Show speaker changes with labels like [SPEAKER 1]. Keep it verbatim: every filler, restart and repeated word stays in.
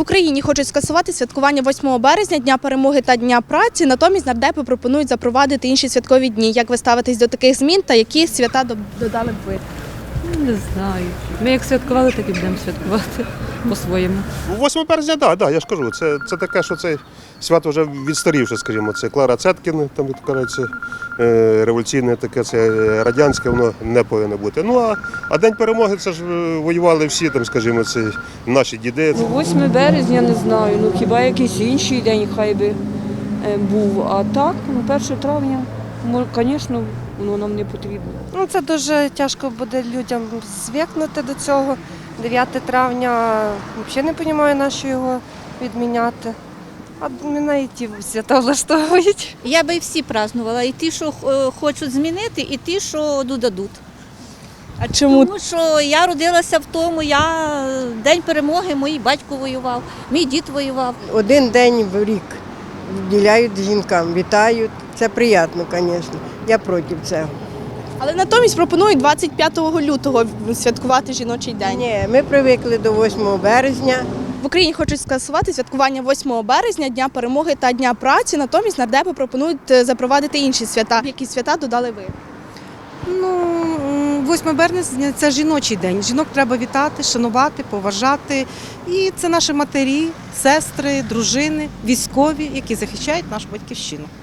[SPEAKER 1] Україні хочуть скасувати святкування восьмого березня, Дня перемоги та Дня праці, натомість нардепи пропонують запровадити інші святкові дні. Як ви ставитесь до таких змін та які свята додали б ви?
[SPEAKER 2] Не знаю. Ми як святкували, так і будемо святкувати по-своєму.
[SPEAKER 3] восьмого березня, так, да, да, я ж кажу, це, це таке, що це свято вже відстарівше, скажімо, це Клара Цеткін, там відкривається революційне таке, це радянське, воно не повинно бути. Ну а, а День перемоги, це ж воювали всі, там, скажімо, це наші діди.
[SPEAKER 4] Ну, восьмого березня не знаю, ну хіба якийсь інший день хай би е, був. А так, ну перше травня, мо- звісно, воно нам не потрібно.
[SPEAKER 5] Ну, це дуже тяжко буде людям звикнути до цього. дев'яте травня взагалі не розумію, на що його відміняти. А мене і ті свята влаштовують.
[SPEAKER 6] Я би і всі празднувала, і ті, що е, хочуть змінити, і ті, що додадуть.
[SPEAKER 1] А чому?
[SPEAKER 6] Тому що я родилася в тому, я День перемоги, мій батько воював, мій дід воював.
[SPEAKER 7] Один день в рік вділяють жінкам, вітають. Це приємно, звісно. Я проти цього.
[SPEAKER 1] Але натомість пропонують двадцять п'ятого лютого святкувати жіночий день.
[SPEAKER 7] Ні, ми звикли до восьмого березня.
[SPEAKER 1] В Україні хочуть скасувати святкування восьмого березня, Дня перемоги та Дня праці, натомість нардепи пропонують запровадити інші свята. Які свята додали ви?
[SPEAKER 8] Ну, восьмого березня – це жіночий день. Жінок треба вітати, шанувати, поважати. І це наші матері, сестри, дружини, військові, які захищають нашу батьківщину.